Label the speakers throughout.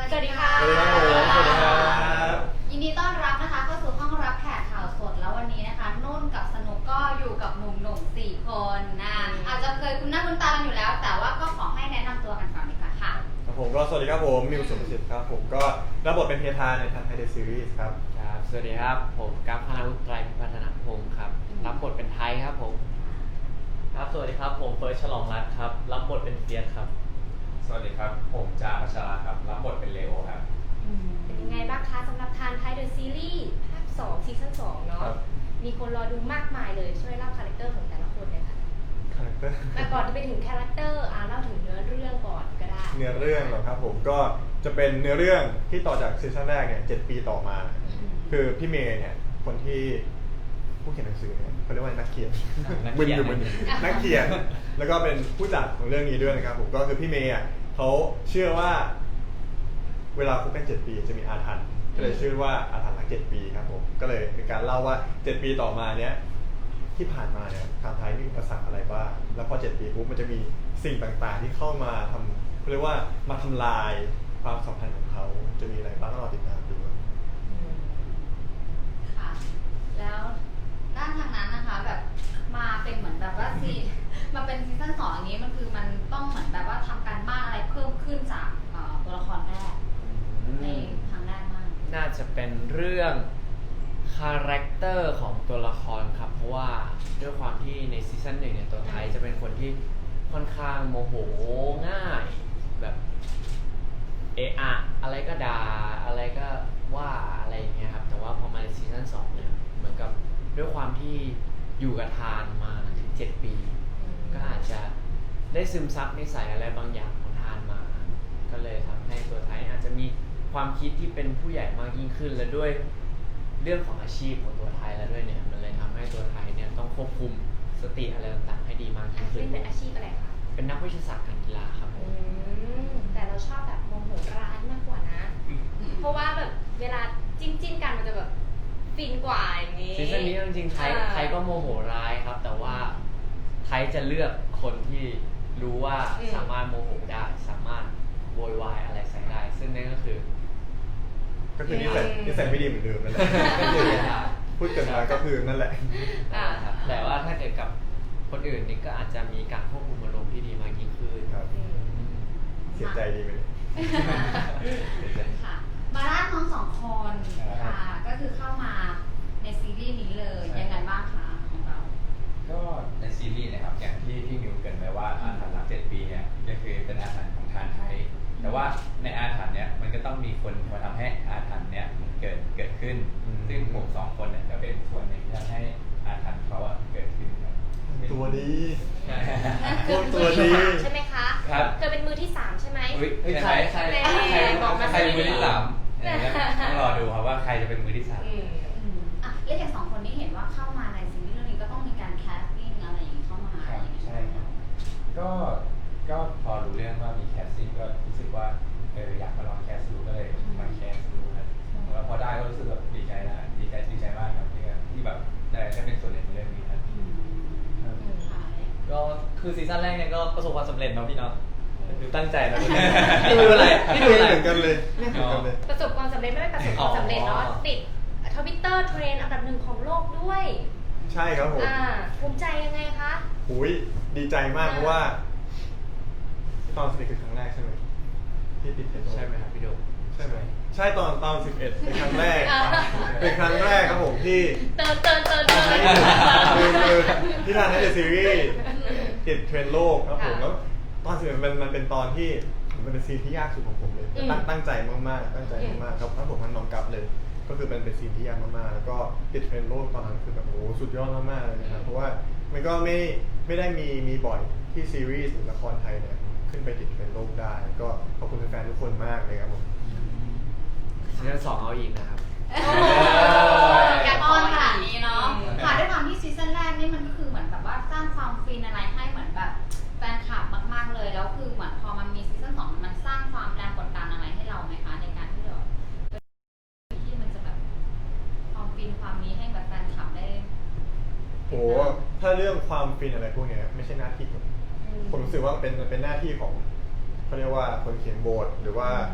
Speaker 1: สวัสดีค่ะ
Speaker 2: สวัสดีครับผมสวัสดีครับ
Speaker 1: ยินดีต้อนรับนะคะเข้าสู่ห้องรับแขกข่าวสดแล้ววันนี้นะคะนุ่นกับสนุกก็อยู่กับหนุ่มๆ4 คนนะอาจจะเคยคุ้นหน้าคุ้นตากันอยู่แล้ว แต่ว่าก็ขอให้แนะนำตัวกันก่อนดีกว่าค่ะ
Speaker 2: ครับผมก็สวัสดีครับผมมิวสุภสิทธิ์ครับผมก็รับบทเป็นเพทาในทันไทเดอะซีรีส์ครับ
Speaker 3: ครับ สวัสดีครับ ผมกัปพนาวุฒิไตรพัฒนพงศ์ครับ รับบทเป็นไทยครับผม
Speaker 4: ครับ สวัสดีครับ ผมเฟิร์สฉลองรัตน์ครับ รับบทเป็นเฟียสครับ
Speaker 5: สวัสดีครับ ผมจาพัชราครับ รับบทเป็นเลโอครับ
Speaker 6: เป็นยังไงบ้างคะสำหรับทานไทยเดอะซีรีส์ภาค2ซีซั่น2เนาะ
Speaker 2: ครับ
Speaker 6: มีคนรอดูมากมายเลยช่วยเล่าคาแรคเตอร์ของแต่ละคนเลยค่ะ
Speaker 2: คาแรคเตอร์
Speaker 6: แต่ก่อนจะไปถึงคาแรคเตอร์เล่าถึงเนื้อเรื่องก่อนก็ได้
Speaker 2: เนื้อเรื่องเหรอครับผมก็จะเป็นเนื้อเรื่องที่ต่อจากซีซั่นแรกเนี่ย7 ปีต่อมา คือพี่เมย์เนี่ยคนที่ผู้เขียนหนังสือเนี่ยเขาเรียกว่านักเขียน
Speaker 4: นักเขียน
Speaker 2: มึนนักเขียนแล้วก็เป็นผู้จัดของเรื่องนี้ด้วยนะครับผมก็คือพี่เมย์อ่ะเขาเชื่อว่าเวลาคบกัน7 ปีจะมีอาถรรพ์ก็เลยชื่อว่าอาถรรพ์รัก7 ปีครับผมก็เลยเป็นการเล่าว่า7 ปีต่อมาเนี้ยที่ผ่านมาเนี่ยทางไทยมีอุปสรรคอะไรบ้างแล้วพอ7 ปีปุ๊บมันจะมีสิ่งต่างๆที่เข้ามาทำเขาเรียกว่ามาทำลายความสัมพันธ์ของเขาจะมีอะไรบ้างก็รอติดตามดู
Speaker 1: ค่ะแล้วด้านทางนั้นนะคะแบบมาเป็นเหมือนแบบว่ามาเป็นซีซั่น2อย่างนี้มันคือมันต้องเหมือนแบบว่าทำการบ้านอะไรเพิ่มขึ้นจากตัวละครแรกในทางแรกมาก
Speaker 3: น่าจะเป็นเรื่องคาแรคเตอร์ของตัวละครครับ เพราะว่าด้วยความที่ในซีซั่น1เนี่ยตัวไทยจะเป็นคนที่ค่อนข้างโมโหง่ายแบบเอะอะอะไรก็ด่าอะไรก็ว่าอะไรอย่างเงี้ยครับแต่ว่าพอมาในซีซั่น2เนี่ยเหมือนกับด้วยความที่อยู่กับทานมาถึง7 ปี ก็อาจจะได้ซึมซับนิสัยอะไรบางอย่างของทานมา ก็เลยทำให้ตัวไทยอาจจะมีความคิดที่เป็นผู้ใหญ่มากยิ่งขึ้น และด้วยเรื่องของอาชีพของตัวไทยแล้วด้วยเนี่ยมันเลยทำให้ตัวไทยเนี่ยต้องควบคุมสติอะไรต่างๆให้ดีมากยิ่งขึ้น
Speaker 6: เล่นเป็นอาชีพอะไรคะ
Speaker 3: เป็นนักวิทยาศาสตร์การกีฬาครับผม
Speaker 6: แต่เราชอบแบบโมโหร้ายมากกว่านะ เพราะว่าแบบเวลาจิ้นกันมันจะแบบฟินกว่าอย่างนี้
Speaker 3: ซีซั่นนี้จริงๆไทยก็โมโหร้ายครับ แต่ว่าไทยจะเลือกคนที่รู้ว่าสามารถโมโหได้สามารถโวยวายอะไรใส่ได้ ซึ่งนั่นก็คือ
Speaker 2: นิสัยไม่ดีเหมือนเดิมนั่นแหละพูดกันมาก็คือนั่นแหละ
Speaker 3: ครับแต่ว่าถ้าเกิดกับคนอื่นนี่ก็อาจจะมีการควบคุมอารมณ์ที่ดีมากยิ่งขึ้น
Speaker 2: ครับ เสียใจดีไหมเนี่ย
Speaker 1: ค่ะมาด้านน้องสองคนค่ะก็คือเข้ามาในซีรีส์นี้เลยยังไงบ้างคะของเรา
Speaker 5: ก็ในซีรีส์นะครับอย่างที่พี่มิวเกรินไปว่าอาถรรพ์รัก7 ปีเนี่ยก็คือเป็นอาถรรพ์ของทานไทย แต่ว่าในอาถรรพ์เนี่ยมันก็ต้องมีคนมาทำให้อาถรรพ์เนี่ยมันเกิดขึ้น ซึ่งผม2 คนเนี่ยจะเป็นส่วนหนึ่งที่ทำให้อาถรรพ์เขาเกิดขึ้นครับ
Speaker 2: ตัวดี
Speaker 5: ใช่
Speaker 6: เธอเป็นมือที่3ใช่ไหมคะ
Speaker 5: ครับ
Speaker 6: เธอเป็นมือที่3ใช่ไหม
Speaker 5: ใคร
Speaker 6: บอกมาสิ
Speaker 5: ใครเป็นมือที่3ต้องรอดูครับว่าใครจะเป็นมือที่ 3
Speaker 1: อ่ะแล้วอย่าง2 คนนี้เห็นว่าเข้ามาในซีรีส์เรื่องนี้ก็ต้องมีการแคสติ้งอะไรอย่างนี้เข้ามาอะไรอย่างนี้
Speaker 5: ใช่ครับก็พอรู้เรื่องว่ามีแคสติ้งก็รู้สึกว่าอยากมาลองแคสดูก็เลยมาแคสดูครับแล้วพอได้ก็รู้สึกแบบดีใจนะดีใจมากครับที่แบบได้เป็นส่วนหนึ่งในเรื่องนี้ครับ
Speaker 1: ค่ะ
Speaker 4: ก็คือซีซั่นแรกเนี่ยก็ประสบความสำเร็จเนาะพี่เนาะดูตั้งใจนะนี่ดูอะไรนี่ดูอะไร
Speaker 2: เหมือนกันเลยเหมือนกันเลย
Speaker 6: ประสบความสำเร็จไม่ได้ประสบความสำเร็จเนาะ
Speaker 4: อ๋อ
Speaker 6: ติดทวิตเตอร์เทรนด์อันดับ1ของโลกด้วย
Speaker 2: ใช่ครับผม
Speaker 6: ภูมิใจยังไงคะ
Speaker 2: หุยดีใจมากเพราะว่าตอนสนิทคือครั้งแรกใช่ไหมที่ติดเทรนด์
Speaker 3: ใช่ไหมครับพี่โดม
Speaker 2: ใช่ไหมใช่ตอน11เป็นครั้งแรกเป็นครั้งแรกครับผมที่
Speaker 6: เติน
Speaker 2: คือที่ทานให้เดอะซีรีส์ติดเทรนด์โลกครับผมแล้วตอน11มันเป็นตอนที่มันเป็นซีนที่ยากสุดของผมเลยตั้งใจมากๆครับทั้งผมทั้งน้องกัฟเลย ก็คือเป็นซีนที่ยากมากๆแล้วก็ติดเทรนด์โลกตอนนั้นคือแบบโอ้สุดยอดมากๆเลยนะครับเพราะว่ามันก็ไม่ได้มีบ่อยที่ซีรีส์หรือละครไทยเนี่ยขึ้นไปติดเทรนด์โลกได้ก็ขอบคุณแฟนๆทุกคนมากเลยครับผม
Speaker 3: ซีซั่น2เอาอีกนะครับ
Speaker 1: แกป้อนขนาดนี้เนาะค่ะด้วยความที่ซีซั่นแรกนี่มันก็คือเหมือนแบบว่าสร้างความฟินอะไรให้เหมือนแบบแฟนคลับมากๆเลยแล้วคือเหมือนพอมันมีซีซั่น2มันสร้างความแรงกดดันอะไรให้เราไหมคะในการที่เราที่มันจะแบบความฟินความนี้ให้แบบแฟนคลับได้
Speaker 2: โอ้ถ้าเรื่องความฟินอะไรพวกเนี้ยไม่ใช่หน้าที่ผมรู้สึกว่าเป็นหน้าที่ของเขาเรียกว่าคนเขียนบทหรือว่า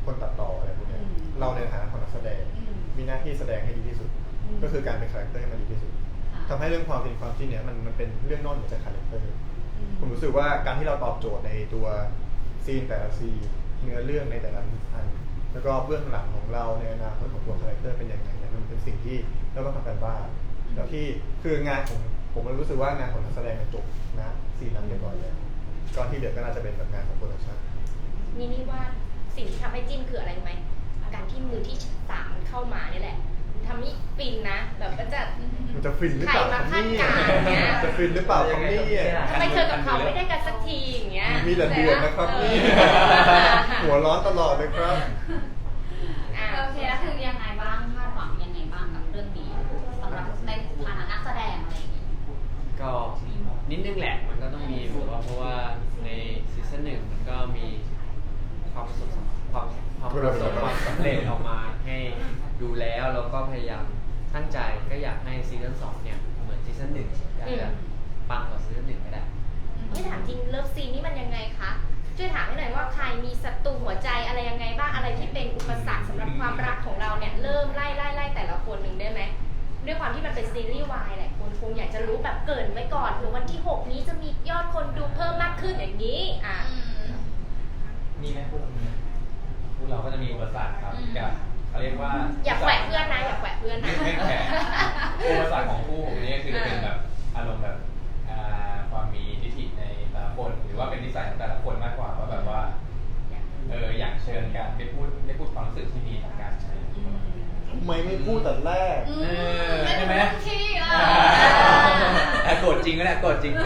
Speaker 2: คนตัดต่ออะไรพวกเนี้ยเราในฐานะของนักแสดงมีหน้าที่แสดงให้ดีที่สุด ก็คือการเป็นคาแรคเตอร์ให้มันดีที่สุดทำให้เรื่องความเป็นความจริงเนี่ยมันเป็นเรื่องนอกเหนือจากคาแรคเตอร์ผมรู้สึกว่าการที่เราตอบโจทย์ในตัวซีนแต่ละซีนเนื้อเรื่องในแต่ละอันแล้วก็เบื้องหลังของเราในอนาคตของตัวคาแรคเตอร์เป็นยังไงเนี่ยมันเป็นสิ่งที่เราต้องทำกันบ้างแล้วที่คืองานของผมรู้สึกว่างานของนักแสดงจบนะซีนนั้นเรียบร้อยแล้วก่อนที่เหลือก็น่าจะเป็นแบบงานของโปรดักชั่น
Speaker 6: นี่ว่าสิ่งที่ทำให้จิ้นคืออะไรรู้ไหมการที่มือที่สามมันเข้ามานี่แหละทำให้ฟินนะแบบก็จะ
Speaker 2: มันจะฟินหรือเปล่าครับ
Speaker 6: ใครมา
Speaker 2: เนี่
Speaker 6: คาดการณ์เนี่ย
Speaker 2: จะฟินหรือเปล่าครับเนี่ย
Speaker 6: ทำไมเธอกับเขาไม่ได้กันสักทีอย่างเงี้ย
Speaker 2: มีแต่เดือดนะครับนี่หัวร้อนตลอดเลยครับ
Speaker 6: อ่ะ
Speaker 1: โอเคแล้วคือยังไงบ้างคาดหวังยังไงบ้างกับเรื่องนี้สำหรับในฐานะนักแสดงอะไรอย่างงี้
Speaker 3: ก็นิดนึงแหละมันก็ต้องมีแบบว่าเพราะว่าในซีซั่น1มันก็มีความประสบความสำเร็จออกมาให้ดูแล้วแล้วก็พยายามตั้งใจก็อยากให้ซีซั่น2เนี่ยเหมือนซีซั่น1อยากจะปังกว่าซีซั่น1ก็ได้
Speaker 6: ไม่ถามจริงเลิฟซีนนี่มันยังไงคะช่วยถามให้หน่อยว่าใครมีศัตรูหัวใจอะไรยังไงบ้างอะไรที่เป็นอุปสรรคสำหรับความรักของเราเนี่ยเริ่มไล่แต่ละคนหนึ่งได้ไหมด้วยความที่มันเป็นซีรีส์วายแหละคนคงอยากจะรู้แบบเกริ่นไว้ก่อนเผื่อวันที่ 6 นี้จะมียอดคนดูเพิ่มมากขึ้นอย่างนี้อ่ะ
Speaker 4: มีไหมพวกเรามีไหม
Speaker 5: พวกเราก็จะมีอุปสรรคครับกับเขาเรียกว่า
Speaker 6: อย่าแขวะเพื่อนนะอย่าแขวะเพื่อนนะ
Speaker 5: ไม่แขวะอุปสรรคของคู่ผมนี่คือเป็นแบบอารมณ์แบบความมีทิฐิในแต่ละคนหรือว่าเป็นนิสัยของแต่ละคนมากกว่าว่าแบบว่าอยากเชิญกันได้พูดความรู้สึกที่ดีต่อกันใช่
Speaker 2: ทำไมไม่พูดแต่แรก
Speaker 5: ใช่ไหม
Speaker 1: ที่
Speaker 5: โกรธจริงก็ได้โกรธจริง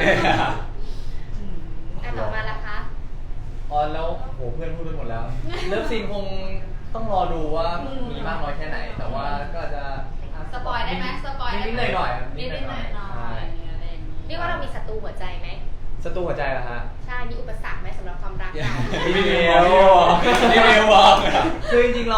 Speaker 6: ต่อมาละคะ
Speaker 4: อ๋อแล้วโหเพื่อนพูดไปหมดแล้ว เลิฟซีนคงต้องรอดูว่ามีมากน้อยแค่ไหน แต่ว่าก็อาจจะ
Speaker 1: สปอยได้ไหมสปอยได้
Speaker 4: นิดๆหน่อยๆครับ
Speaker 1: นิดๆหน่อยๆ
Speaker 4: ใช่
Speaker 1: อะไรอย่างเงี้ย
Speaker 6: เรียกว่าเรามีศัตรูหัวใจไหม
Speaker 4: ศัตรูหัวใจเหรอฮะ
Speaker 6: ใช่มีอุปสรรคไหมสำหรับความรักเรา
Speaker 4: พี่เมล
Speaker 5: พี่เมลบอก
Speaker 4: คือจริงๆเรา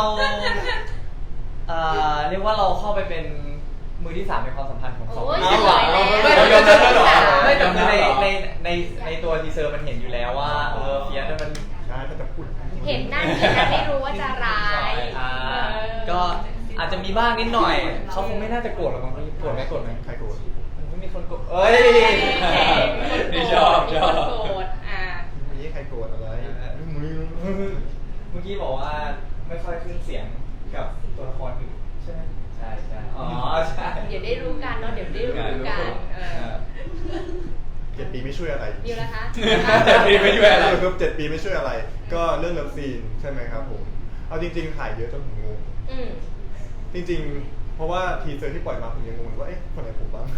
Speaker 4: เรียกว่าเราเข้าไปเป็นมือที่ 3ในความสัมพันธ์ของสองคน
Speaker 6: โอ้ย
Speaker 4: ดีกว่า
Speaker 6: สวยแล้ว
Speaker 4: ไม่
Speaker 5: เรายอมรับแล้วเหรอ
Speaker 4: ไม่แต่คือในตัวทีเซอร์มันเห็นอยู่แล้วว่าเฟียสเนี่ยมัน
Speaker 2: ใช่ถ้าจะพูด
Speaker 6: เห็นหน้าที่นะไม่รู้ว่าจะร้าย
Speaker 4: ก็อาจจะมีบ้างนิดหน่อย เขาคงไม่น่าจะโกรธหรอกมั้งโกรธไหมโกรธไหม
Speaker 2: ใครโกรธ
Speaker 4: มันไม่มีคนโกรธเอ้ย
Speaker 5: นี่ชอบ
Speaker 6: มีคนโกรธอ่ะ
Speaker 2: มีใครโกรธอะไรมือ
Speaker 4: เมื่อกี้บอกว่าไม่ค่อยขึ้นเสียงกับตัวละครอื่นใช่ไหม
Speaker 3: ใช่ใช่
Speaker 4: อ๋อใช่
Speaker 6: เดี๋ยวได้รู้กันเนาะเดี๋ยวได้รู้กัน
Speaker 2: 7 ปีไม่ช่วยอะไร
Speaker 6: ดิวนะคะ
Speaker 5: 7 ปีไม่ช่วยอะไร
Speaker 2: ครับ7 ปีไม่ช่วยอะไร ก็เรื่องเลิฟซีนใช่ไหมครับผม เอาจริงๆถ่ายเยอะจนผมงง
Speaker 6: อืม
Speaker 2: จริงๆ เพราะว่าทีเซอร์ที่ปล่อยมาผมยังงงว่าเอ๊ะคนไหนผมบ้าง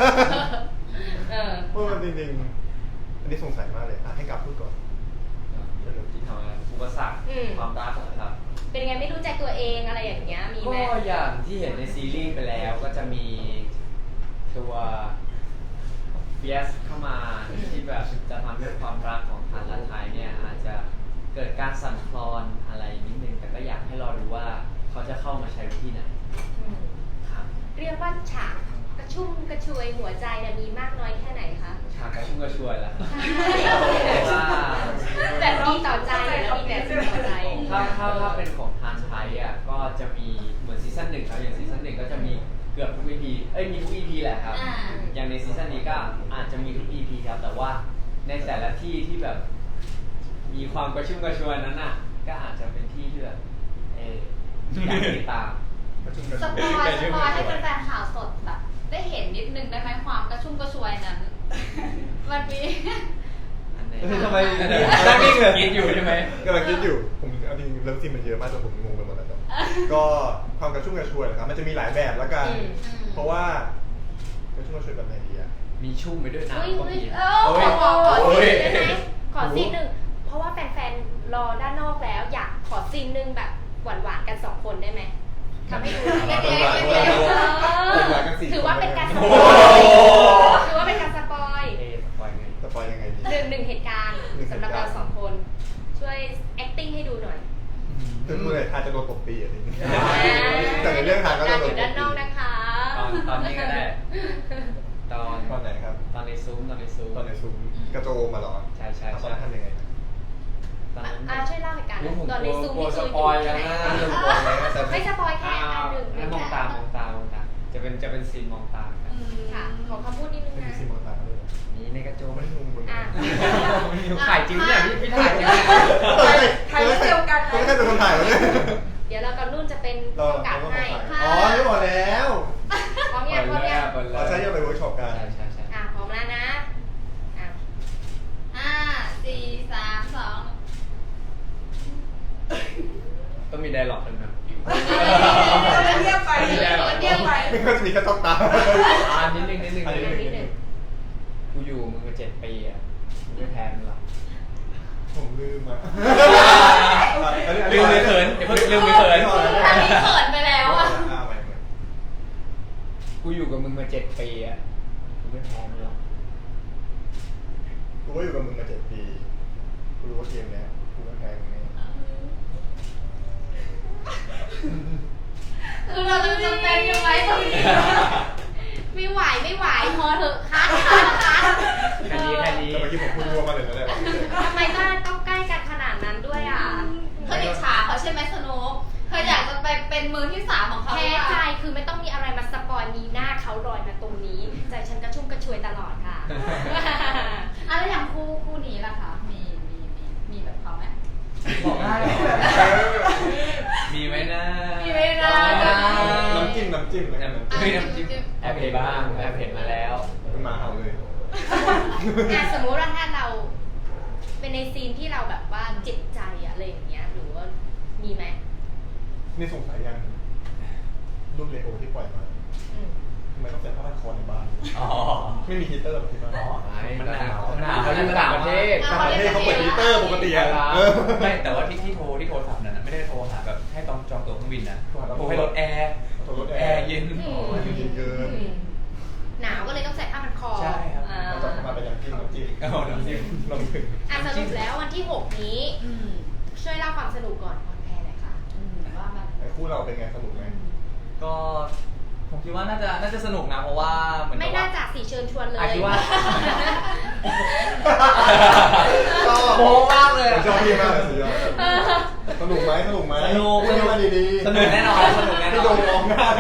Speaker 2: เพราะมันจริงๆ อันนี้สงสัยมากเลยให้กลับพูดก่อน
Speaker 3: ที่ทำงานอุปสรรคความรักนะครับ
Speaker 6: เป็นไงไม่รู้ใจตัวเองอะไรอย่างเงี้ยมีไหม
Speaker 3: ก็อย่างที่เห็นในซีรีส์ไปแล้วก็จะมีตัวเฟียสเข้ามาที่แบบจะทำให้ความรักของทันและไทยเนี่ยอาจจะเกิดการสั่นคลอนอะไรนิดนึงแต่ก็อยากให้รอดูว่าเขาจะเข้ามาใช้วิธีไหน
Speaker 6: อืม
Speaker 3: ครับ
Speaker 6: เรียกว่าฉากกระชุ่มกระชวยหัวใจเนี่ยมีมากน้อยแค่ไหนคะ
Speaker 3: ฉากกระชุ่มกระชวยแล้วครับ
Speaker 6: ว่าแบบดีต่อใจแล้วมีแบบดีต่อใจ
Speaker 3: ถ้าเป็นของทานไทยอ่ะก็จะมีเหมือนซีซั่น1ครับอย่างซีซั่น1ก็จะมีเกือบทุก EP มีทุก EP แหละครับ อย่างในซีซั่นนี้ก็อาจจะมีทุก EP ครับแต่ว่าในแต่ละที่ที่แบบมีความกระชุ่มกระชวยนั้นน่ะก็อาจจะเป็นที่ที่แบบอยากติดตาม
Speaker 1: สปอยให้แฟนๆข่าวสดแบบได้เห็นนิดนึงได้ไหมความกระชุ่มกระชวยนั้น มันมี
Speaker 3: อันไหน
Speaker 2: ทำไม
Speaker 4: นั่งนิ่งเลย
Speaker 5: กินอยู่ใช่ไหม
Speaker 2: กำลังคิดอยู่ ผมเอาจริงเลิฟซีนมันเยอะมากจนผมงงไปหมดแล้วครับก็ความกระชุ่มกระชวยนะครับ มันจะมีหลายแบบละกัน เพราะว่ากระชุ่มกระชวยแบบไหนดีอะ
Speaker 3: มีชุ่มไปด้วย
Speaker 6: อุ้ย
Speaker 3: น้ำก็
Speaker 6: อุ้ย
Speaker 3: มี
Speaker 6: ขอซีนได้ไหมขอซีนหนึ่งเพราะว่าแฟนๆรอด้านนอกแล้วอยากขอซีนหนึ่งแบบหวานๆกัน2 คนได้ไหมทำให้ดูเล็กๆถือว่าเป็นการสปอยถือว่าเป็นการสปอย
Speaker 3: สปอยไง
Speaker 2: สปอยยังไงดี
Speaker 6: หนึ่งเหตุการณ์สำหรับเรา2 คน ช่วย acting ให้ดูหน่อย
Speaker 2: คือพูดเลยทานจะโดนตบตีอะไรอย่างเงี้ยแต่ในเรื่องทานก็
Speaker 6: กา
Speaker 2: จะ
Speaker 6: ร
Speaker 2: โด
Speaker 6: อน
Speaker 2: ตบตี
Speaker 6: ยู่ด้านนอกนะคะ
Speaker 3: ตอนนี้ก็ได้ ตอน
Speaker 2: ตอนไหนครับ
Speaker 3: ตอนในซุ้ม
Speaker 2: ตอนในซุ้มกระโจมมาเหรอ
Speaker 3: ใช่ใช่
Speaker 2: ตอน
Speaker 3: ใช่
Speaker 2: นั้นทำยังไง
Speaker 3: ตอนนั้น
Speaker 6: ช่วยเล่าเหตุการณ์
Speaker 3: ผม
Speaker 6: ตอนในซูม
Speaker 3: กลัว
Speaker 6: นี่
Speaker 3: ส
Speaker 6: คือ
Speaker 3: ปอย
Speaker 6: อยู่
Speaker 3: แล้ว
Speaker 6: ที่ไหน
Speaker 3: นะ
Speaker 6: ไม่สปอยแค่อันหนึ่ง
Speaker 3: มองตามองตามองตาจะเป็นซีนมองตากัน
Speaker 6: ค่ะ ขอคำพูดนิดนึง
Speaker 2: เป็น
Speaker 6: นะ
Speaker 2: ซีมอนตาเลย
Speaker 3: นี่ในกระโจม
Speaker 2: ไม่ได้งงมึง
Speaker 6: อ่ะ
Speaker 3: ถ่ายจริงเนี่ยพี่ถ่ายจริง
Speaker 2: ใครเดียวกันไม่ใช่เป็นคนถ่ายวะเนี่ย
Speaker 6: เดี๋ยวเรากับนุ่นจะเป็น
Speaker 2: เรา
Speaker 6: ผู้กำกับให้
Speaker 2: อ๋อนี่บอกแล้ว
Speaker 6: พร้อมยังพร้อมยัง
Speaker 2: เราใช้ยังไปเวิร์กช็อปกัน
Speaker 3: ใช่ใช่ใช่
Speaker 6: อ่ะพร้อมแล้วนะอ่ะ
Speaker 1: 5 4 3 2
Speaker 3: ต้องมีไดร็อกกันนะ
Speaker 7: เรียบไป
Speaker 3: ไม่ได้หรอก
Speaker 7: เรียบไป
Speaker 2: ไม่ก็จะมีกระต๊อกตา
Speaker 3: นิดนึง
Speaker 6: นิดนึง
Speaker 3: กูอยู่มึงมา7 ปีอ่ะมึงไม่แพ้มึงหรอก
Speaker 2: ผมลืมอ่ะ
Speaker 3: ลืมเลยเขินเดี๋ยวลืมเลยเขิน
Speaker 1: อันนี้เขินไปแล้วอ่ะ
Speaker 3: กูอยู่กับมึงมา7 ปีอ่ะมึงไม่แพ้มึงหรอก
Speaker 2: กูก็อยู่กับมึงมา7 ปีกูรู้ว่าเกมเนี้ยกูก็แพ้มึงแน่
Speaker 1: คือเราจะเต้นยังไงตรงนี้
Speaker 6: ไม่ไหวพอเถอะคัด
Speaker 3: แค่นี้
Speaker 2: แต่เมื่อกี้ผมพูดรัวมาเลยนะเนี่ย
Speaker 6: ทำไมต้องใกล้กันขนาดนั้นด้วยอ่ะ
Speaker 1: เธออิจฉาเขาใช่ไหมสนุกเธออยากจะไปเป็นมือที่ 3ของเขา
Speaker 6: แพ้ใจคือไม่ต้องมีอะไรมาสปอยมีหน้าเขาลอยมาตรงนี้ใจฉันกระชุ่มกระชวยตลอดค่ะ
Speaker 1: อ่ะแล้วอย่างคู่นี้ล่ะคะมีแบบเขาไหม
Speaker 3: บอกได้เหรอ
Speaker 5: มีไหมนะ
Speaker 1: มีไหมนะ
Speaker 2: น้ำจิ้มแล้วกันน้ำจิ้ม
Speaker 5: มีน้ำจิ้ม
Speaker 3: แอบเห็นบ้างแอบเห็นมาแล้ว
Speaker 2: มันมาเอาเลย
Speaker 6: อ่ะสมมุติว่าถ้าเราเป็นในซีนที่เราแบบว่าเจ็บใจอะอะไรอย่างเงี้ยหรือว่ามีไหม
Speaker 2: นี่สงสัยยังรูปเลโอที่ปล่อยมา
Speaker 6: อืม
Speaker 2: ทำไมต้องเป็นผ้าพันคอในบ้าน
Speaker 5: อ๋อ
Speaker 2: ไม่มีฮีเตอร์หรอที่บ้าน
Speaker 5: มันหนาว
Speaker 3: เขาอยู่ต่างประเทศ
Speaker 2: ต่างประเทศเขาเปิดฮีเตอร์ปกติอะ
Speaker 5: ไม่แต่ว่าที่โทรศัพท์นั้นนะไม่ได้โทรหาแบบให้จองตั๋วเครื่องบินนะ
Speaker 2: โทรหา
Speaker 5: โทรให้รถแอร์
Speaker 2: ตัวรถ
Speaker 5: แอร์เย็น
Speaker 2: อ๋อเย็นเกิน
Speaker 6: หนาวก็เลยต้องใส่ผ้าพันคอ
Speaker 5: ใช่ครับ
Speaker 6: อ่า
Speaker 2: เราจะมาเป็นน้ำจิ้ม
Speaker 5: เอาน้ำจิ้ม
Speaker 2: น้ำจิ้ม
Speaker 6: อ่ะสรุปแล้ววันที่ 6 นี้ ช่วยเล่าความสนุกก่อนคอนแพร์หน่อยค่ะ
Speaker 1: ว่ามัน
Speaker 2: ไอ้คู่เราเป็นไงสนุกไหม
Speaker 4: ก็ผมคิดว่าน่าจะสนุกนะเพราะว่าเหมือน
Speaker 6: ไม่
Speaker 4: กับ
Speaker 6: น่า
Speaker 4: ว่า
Speaker 6: จะสิเชิญชวนเลย
Speaker 4: คิดว่า
Speaker 2: ชอบ
Speaker 4: โม้มากเลย
Speaker 2: ชอบพี่มากเลยสุดยอดสนุกไหม
Speaker 4: สนุก
Speaker 2: พูดมาดีๆ
Speaker 4: สนุกแน่นอนสนุกแน่นอน
Speaker 2: พี่โดนมองหน้ากัน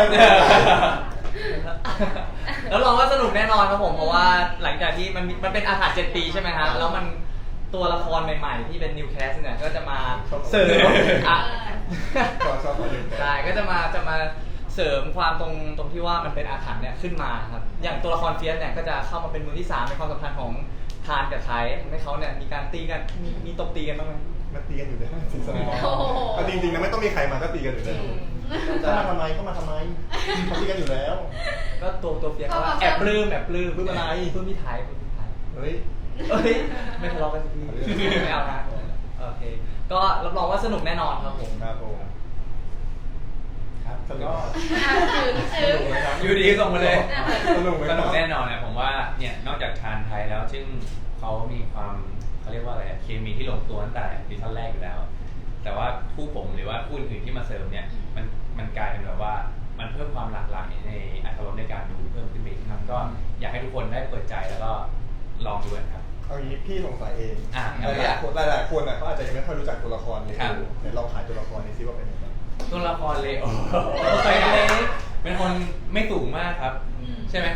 Speaker 4: แล้วลองว่าสนุกแน่นอนครับผมเพราะว่าหลังจากที่มันเป็นอาถรรพ์7 ปีใช่ไหมฮะแล้วมันตัวละครใหม่ๆที่เป็นนิวแคสเนี่ยก็จะมาเสริมอ่ะ
Speaker 2: ชอบคนอื่น
Speaker 4: ใช่ก็จะมาเสริมความตรงที่ว่ามันเป็นอาถรรพ์เนี่ยขึ้นมาครับอย่างตัวละครเฟียสเนี่ยก็จะเข้ามาเป็นมือที่3ในความสัมพันธ์ของทานกับไทยทำให้เขาเนี่ยมีการตีกันมีตบตีกันบ้างไหม
Speaker 2: มาตีกันอยู่ได้ซีซั่น
Speaker 6: โอ้โห
Speaker 2: เอาจริงๆนะไม่ต้องมีใครมาก็ตีกันอยู่แล้วจะมาทำไมก็มาทำไมเขาตีกันอยู่แล้ว
Speaker 4: ก็ตัวเฟียสเขาว่าแอบปลื้ม
Speaker 2: ปลื้มอะไร
Speaker 4: ปลื้มพี่ไทย
Speaker 2: เฮ้ย
Speaker 4: เอ้ยไม่ทะเลาะกันสักทีไม่เอานะโอเคก็รับรองว่าสนุกแน่นอนครับผม
Speaker 2: ครับผม
Speaker 5: ครับ
Speaker 2: สนุก
Speaker 5: ก็
Speaker 6: อ่ะถึง
Speaker 2: ไหมครับ
Speaker 5: อยู่ดีส่งมาเลย
Speaker 2: สนุกไหม
Speaker 5: สนุกแน่นอนนะผมว่าเนี่ยนอกจากทานไทยแล้วซึ่งเขามีความเขาเรียกว่าอะไรอะเคมีที่ลงตัวตั้งแต่ซีซั่นแรกอยู่แล้ว แต่ว่าคู่ผมหรือว่าคู่อื่นที่มาเสริมเนี่ยมันกลายเป็นแบบว่ามันเพิ่มความหลากหลายในอรรถรสในการดูเพิ่มขึ้นไปอีกครับก็อยากให้ทุกคนได้เปิดใจแล้วก็ลองดูกันครับ
Speaker 2: เอางี้พี่สงสัยเอง
Speaker 5: เอา
Speaker 2: ห
Speaker 5: เลย
Speaker 2: ลาย
Speaker 5: อะ
Speaker 2: ๆคนหลายๆคนอ่ะเขาอาจจะยังไม่ค่อยรู้จักตัวละครเลย
Speaker 5: ครับ
Speaker 2: เดี๋ยวลองขายตัวละครนี้ซิว่าเป็นยังไง
Speaker 5: ตัวละครเลโอเป็นคนไม่สูงมากครับ ใช่ไหม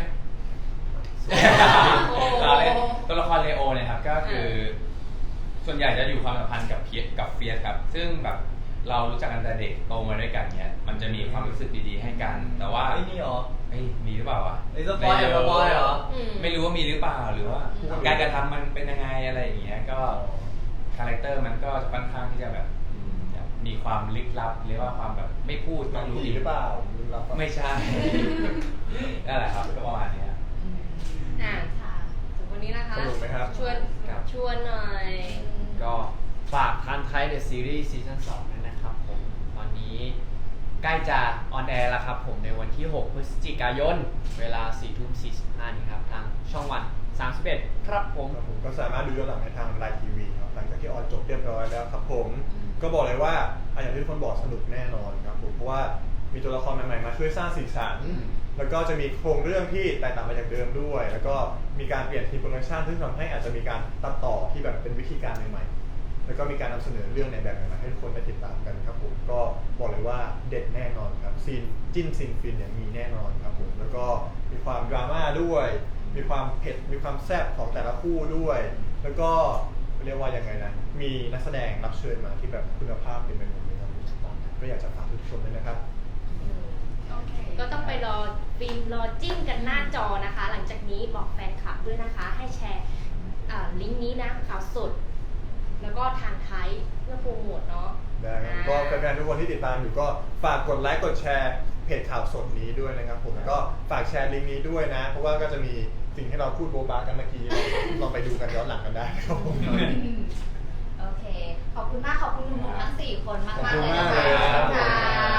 Speaker 5: ตัวละครเลโอเนี่ยครับก็คือ ส่วนใหญ่จะอยู่ความสัมพันธ์กับเฟียสครับ ซึ่งแบบเรารู้จักกันแต่เด็กโตมาด้วยกันเนี่ยมันจะมีความรู้สึกดีๆให้กัน แต่ว่า
Speaker 4: ไอ้นี่เหรอ
Speaker 5: มีหรือเปล่าวะ
Speaker 4: ไอ้สปอยเหรอ
Speaker 5: ไม่รู้ว่ามีหรือเปล่าหรือว่าการกระทำมันเป็นยังไงอะไรอย่างเงี้ยก็คาแรคเตอร์มันก็ค่อนข้างที่จะแบบมีความลึกลับหรือว่าความแบบไม่พูด
Speaker 2: หนั
Speaker 5: ต้อง งรู้
Speaker 2: ผีหรือเปล่าลึกลับปะ
Speaker 5: ไม่ใช่ นั่นแหละครับก็ประมาณนี้ครับ
Speaker 6: อ่ะถึงวันนี้นะคะ
Speaker 2: สนุกไหมครับ
Speaker 6: ชวนหน่อย
Speaker 3: ก็ฝากทันไทยเดอะซีรีส์ซีซั่น2ด้วยนะครับผมตอนนี้ใกล้จะออนแอร์แล้วครับผมในวันที่ 6 พฤศจิกายน เวลา 4:45 นี้ครับทางช่องวัน 31 ครับผม
Speaker 2: ครับผมก็สามารถดูย้อนหลังในทางไลน์ทีวีครับหลังจากที่ออนจบเรียบร้อยแล้วครับผมก็บอกเลยว่าอย่างที่ทุกคนบอกสนุกแน่นอนครับผมเพราะว่ามีตัวละครใหม่ๆมาช่วยสร้างสีสันแล้วก็จะมีโครงเรื่องที่แตกต่างไปจากเดิมด้วย แล้วก็มีการเปลี่ยนทีมโปรดักชันซึ่งทำให้อาจจะมีการตัดต่อที่แบบเป็นวิธีการใหม่ๆแล้วก็มีการนำเสนอเรื่องในแบบใหม่ๆให้ทุกคนได้ติดตามกันครับผมก็บอกเลยว่าเด็ดแน่นอนครับซีนจิ้นซีนฟินเนี่ยมีแน่นอนครับผมแล้วก็มีความดราม่าด้วย มีความเผ็ดมีความแซ่บของแต่ละคู่ด้วย แล้วก็เรียกว่ายังไงนะมีนักแสดงรับเชิญมาที่แบบคุณภาพเป็นไปหมดเลยครับก็อยากจะฝากทุกคนด้วยนะครับ
Speaker 1: โอเค
Speaker 6: ก็ต้องไปรอฟิล์มรอจิ้มกันหน้าจอนะคะ หลังจากนี้บอกแฟนคลับด้วยนะคะ ให้แชร์ลิงก์นี้นะข่าวสด แล้วก็ทางไทยเพื่อโปรโมทเนาะ
Speaker 2: ได้ครับก็แฟนๆทุกคนที่ติดตามอยู่ก็ฝากกดไลค์กดแชร์เพจข่าวสดนี้ด้วยนะครับผมก็ฝากแชร์ลิงก์นี้ด้วยนะ เพราะว่าก็จะมีสิ่งที่เราพูดโบบากันเมื่อกี้ลองไปดูกันย้อนหลังกันได้ครับผม
Speaker 1: โอเค ขอบคุณมาก ขอบคุณหนุ่มๆทั้ง 4 คนมากๆเลยนะ
Speaker 2: ขอบคุณมากเลยครั
Speaker 1: คะ
Speaker 2: บ